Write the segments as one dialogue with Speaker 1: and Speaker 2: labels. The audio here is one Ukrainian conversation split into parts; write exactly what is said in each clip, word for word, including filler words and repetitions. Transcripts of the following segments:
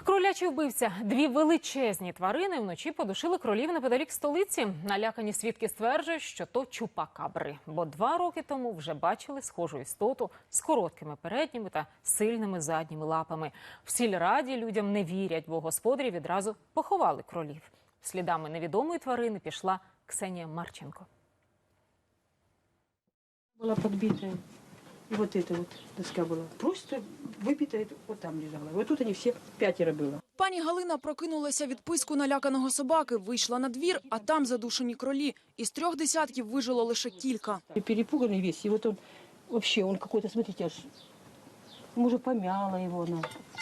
Speaker 1: Кролячий вбивця. Дві величезні тварини вночі подушили кролів неподалік столиці. Налякані свідки стверджують, що то чупакабри. Бо два роки тому вже бачили схожу істоту з короткими передніми та сильними задніми лапами. В сільраді людям не вірять, бо господарі відразу поховали кролів. Слідами невідомої тварини пішла Ксенія Марченко.
Speaker 2: Была подбитая. И вот эта вот доска была. Просто выбитая, вот там лежала. Вот тут они все пятеро было.
Speaker 3: Пані Галина прокинулася від писку наляканого собаки, вийшла на двір, а там задушені кролі. Із трьох десятків вижило лише кілька.
Speaker 2: И перепуганный весь. И вот он вообще, он какой-то, смотрите, аж, может, помяла его она.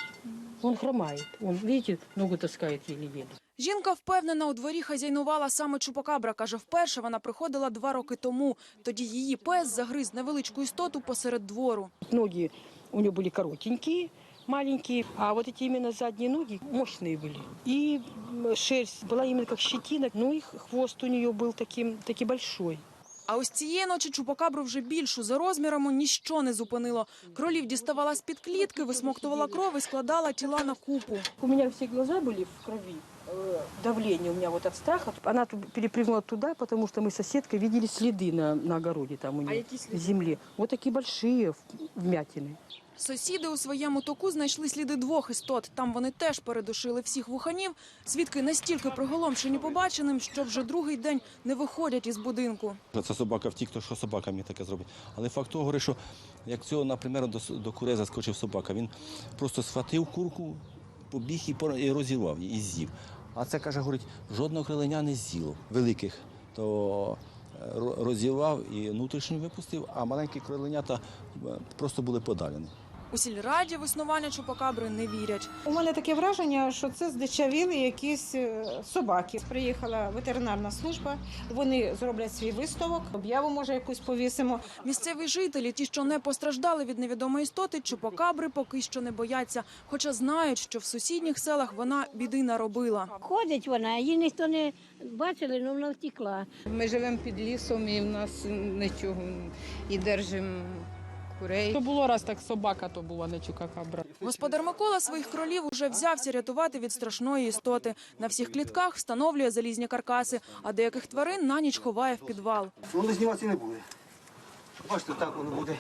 Speaker 2: Он хромает. Он, видите, ногу таскает еле-еле.
Speaker 3: Жінка впевнена, у дворі хазяйнувала саме чупакабра. Каже, вперше вона приходила два роки тому. Тоді її пес загриз невеличку істоту посеред двору.
Speaker 2: Ноги у него были коротенькие, маленькие, а вот эти именно задние ноги мощные были. И шерсть была именно как щетина, ну и хвост у нее был таким, таки большой.
Speaker 3: А ось цієї ночі чупакабру вже більшу за розмірами ніщо не зупинило. Кролів діставала з-під клітки, висмоктувала кров і складала тіла на купу.
Speaker 2: У меня все глаза были в крови. Давление у меня вот от страха. Она перепрыгнула туда, потому что мы с соседкой видели следы на, на огороде там у нее, в земле. Вот такие большие вмятины.
Speaker 3: Сусіди у своєму току знайшли сліди двох істот. Там вони теж передушили всіх вуханів. Свідки настільки приголомшені побаченим, що вже другий день не виходять із будинку.
Speaker 4: Це собака втік, то що собака мені таке зробить. Але факт того, говорить, що як цього, наприклад, до, до курей заскочив собака, він просто схватив курку, побіг і, і розірвав її, і з'їв. А це, каже, говорить, жодного криленя не з'їло, великих. То розірвав і внутрішню випустив, а маленькі криленята просто були подалені.
Speaker 3: У сільраді в існування чупакабри не вірять.
Speaker 5: У мене таке враження, що це здичавіли якісь собаки. Приїхала ветеринарна служба, вони зроблять свій висновок, об'яву, може, якусь повісимо.
Speaker 3: Місцеві жителі, ті, що не постраждали від невідомої істоти, чупакабри поки що не бояться. Хоча знають, що в сусідніх селах вона біди наробила.
Speaker 6: Ходить вона, її ніхто не бачили, але вона втекла.
Speaker 7: Ми живемо під лісом і в нас нічого, і держимо курей.
Speaker 8: То було раз так собака, то була не чупакабра.
Speaker 3: Господар Микола своїх кролів уже взявся рятувати від страшної істоти. На всіх клітках встановлює залізні каркаси, а деяких тварин на ніч ховає в підвал.
Speaker 9: Воно зніматися не буде. Бачите, так воно буде.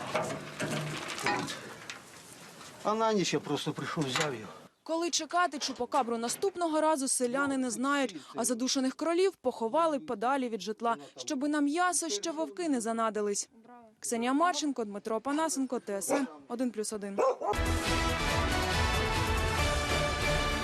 Speaker 9: А на ніч я просто прийшов, взяв його.
Speaker 3: Коли чекати чупакабру наступного разу, селяни не знають, а задушених кролів поховали подалі від житла, щоби на м'ясо ще вовки не занадились. Ксенія Марченко, Дмитро Панасенко, Т С Н один плюс один.